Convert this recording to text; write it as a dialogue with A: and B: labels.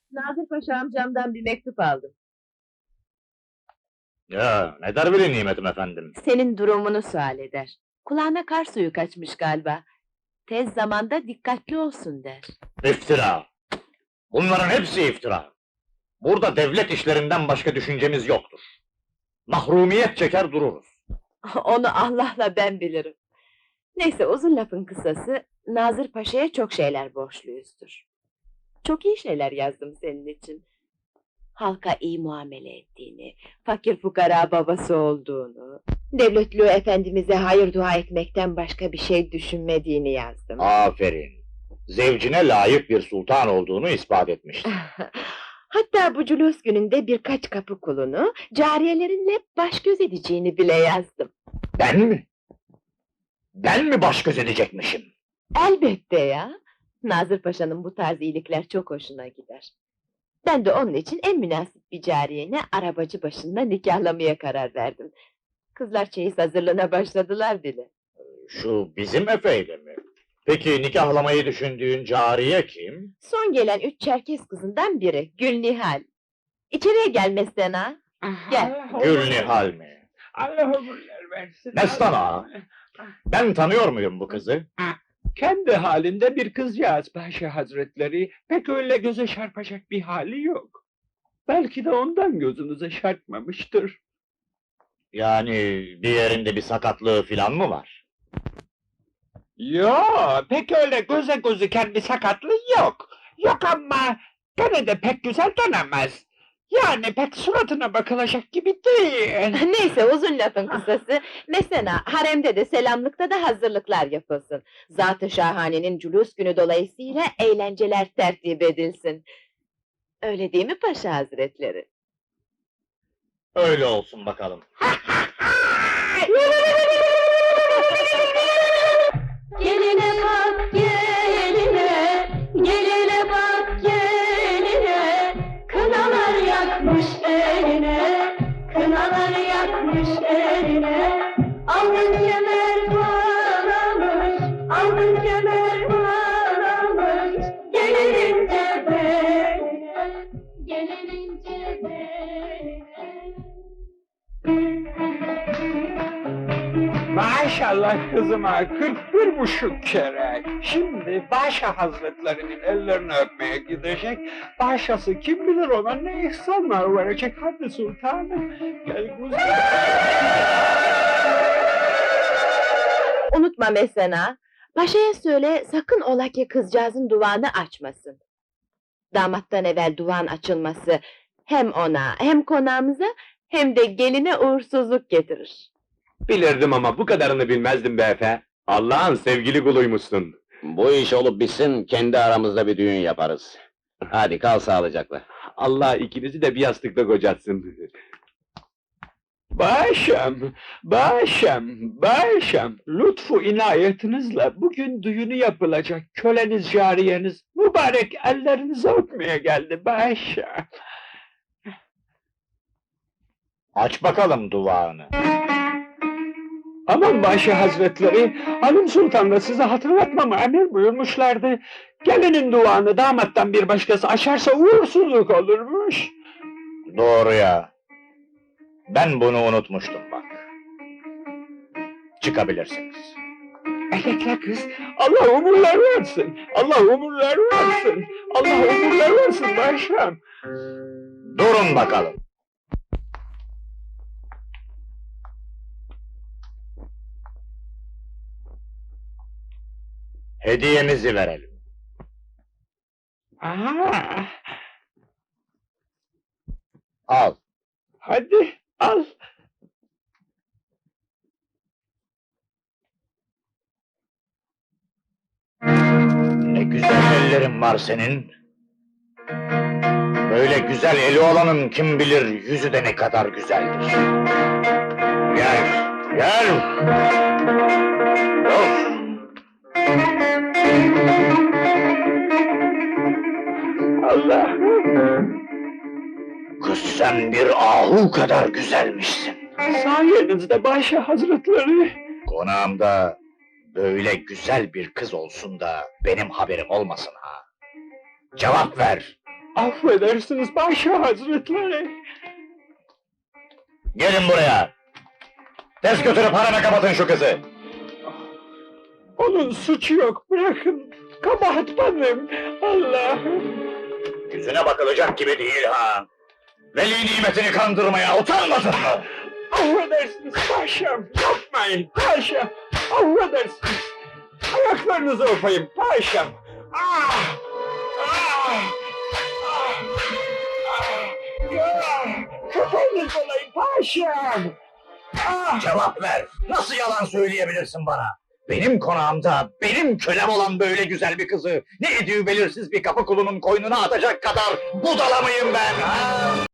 A: Nazır Paşa amcamdan bir mektup aldım.
B: Ya, ne der bile nimetim efendim?
A: Senin durumunu sual eder. Kulağına kar suyu kaçmış galiba. Tez zamanda dikkatli olsun der.
B: İftira! Bunların hepsi iftira! Burada devlet işlerinden başka düşüncemiz yoktur. Mahrumiyet çeker dururuz.
A: Onu Allah'la ben bilirim. Neyse, uzun lafın kısası, Nazır Paşa'ya çok şeyler borçluyuzdur. Çok iyi şeyler yazdım senin için. Halka iyi muamele ettiğini, fakir fukara babası olduğunu, devletli efendimize hayır dua etmekten başka bir şey düşünmediğini yazdım.
B: Aferin! Zevcine layık bir sultan olduğunu ispat etmiştir.
A: Hatta bu cülûs gününde birkaç kapı kulunu, cariyelerinle baş göz edeceğini bile yazdım.
B: Ben mi? Ben mi baş göz edecekmişim?
A: Elbette ya! Nazır Paşa'nın bu tarz iyilikler çok hoşuna gider. Ben de onun için en münasip bir cariyeni arabacı başında nikahlamaya karar verdim. Kızlar çeyiz hazırlığına başladılar bile.
B: Şu bizim Efe'yle mi? Peki nikahlamayı düşündüğün cariye kim?
A: Son gelen 3 Çerkes kızından biri, Gülnihal. İçeriye gelmezsen ha! Gel.
B: Gülnihal mi?
C: Allah ömürler versin.
B: Mestan ağa! Ben tanıyor muyum bu kızı?
C: Kendi halinde bir kızcağız Paşa Hazretleri, pek öyle göze çarpacak bir hali yok. Belki de ondan gözünüze çarpmamıştır.
B: Yani bir yerinde bir sakatlığı filan mı var?
C: Yo, pek öyle göze gözüken bir sakatlığı yok. Yok ama gene de pek güzel denemez. Yani pek suratına bakılacak gibi değil.
A: Neyse, uzun lafın kısası, mesela haremde de selamlıkta da hazırlıklar yapılsın. Zat-ı Şahane'nin cülûs günü dolayısıyla eğlenceler tertip edilsin. Öyle değil mi Paşa Hazretleri?
B: Öyle olsun bakalım.
D: Geline bak geline, geline bak geline, kınalar yakmış eline, kınalar yakmış eline, alnın kemer bağlamış, alnın kemer bağlamış, gelinince beline, gelinince beline.
C: Maşallah kızıma 41,5 kere. Şimdi Paşa Hazretlerinin ellerini öpmeye gidecek. Paşası kim bilir ona ne ihsanlar verecek. Hadi sultanım. Gel kuzum.
A: Unutma mesela, Paşa'ya söyle sakın ola ki kızcağızın duvağını açmasın. Damattan evvel duvağın açılması hem ona hem konağımıza hem de geline uğursuzluk getirir.
E: Bilirdim ama bu kadarını bilmezdim be Efe. Allah'ın sevgili kuluymuşsun.
F: Bu iş olup bitsin, kendi aramızda bir düğün yaparız. Hadi kal sağlıcakla.
E: Allah ikinizi de bir yastıkta kocatsın.
C: Paşam, paşam, paşam. Lütfu inayetinizle bugün düğünü yapılacak köleniz, cariyeniz mübarek ellerinizi öpmeye geldi paşam.
B: Aç bakalım duvağını.
C: Aman Paşa Hazretleri, Hanım Sultan da size hatırlatmamı emir buyurmuşlardı. Gelinin duanı damattan bir başkası açarsa uğursuzluk olurmuş.
B: Doğru ya. Ben bunu unutmuştum bak. Çıkabilirsiniz.
C: Elekle kız, Allah umurlar versin, Allah umurlar versin, Allah umurlar versin paşam.
B: Durun bakalım. Hediyemizi verelim.
C: Aha,
B: Al.
C: hadi al.
B: Ne güzel ellerin var senin. Böyle güzel eli olanın kim bilir yüzü de ne kadar güzeldir. Gel, gel. Of.
C: Allah'ım,
B: Kız sen bir ahu kadar güzelmişsin.
C: sayenizde Paşa Hazretleri.
B: Konağımda böyle güzel bir kız olsun da benim haberim olmasın ha. Cevap ver.
C: Affedersiniz Paşa Hazretleri.
B: Gelin buraya! Tez götürüp hareme kapatın şu kızı!
C: Onun suçu yok, bırakın. Kabahat benim. Allah'ım.
B: Yüzüne bakılacak gibi değil ha! Veli nimetini kandırmaya utanmadın mı?
C: Affedersiniz paşam, yapmayın paşam. Affedersiniz. Ayaklarınızı öpeyim paşam. Ah! Ah! Ah! Ah! Köpeğiniz olayım paşam. Ah!
B: Cevap ver! Nasıl yalan söyleyebilirsin bana? Benim konağımda, benim kölem olan böyle güzel bir kızı, ne ediyor belirsiz bir kapı kulunun koynuna atacak kadar budala mıyım ben, ha?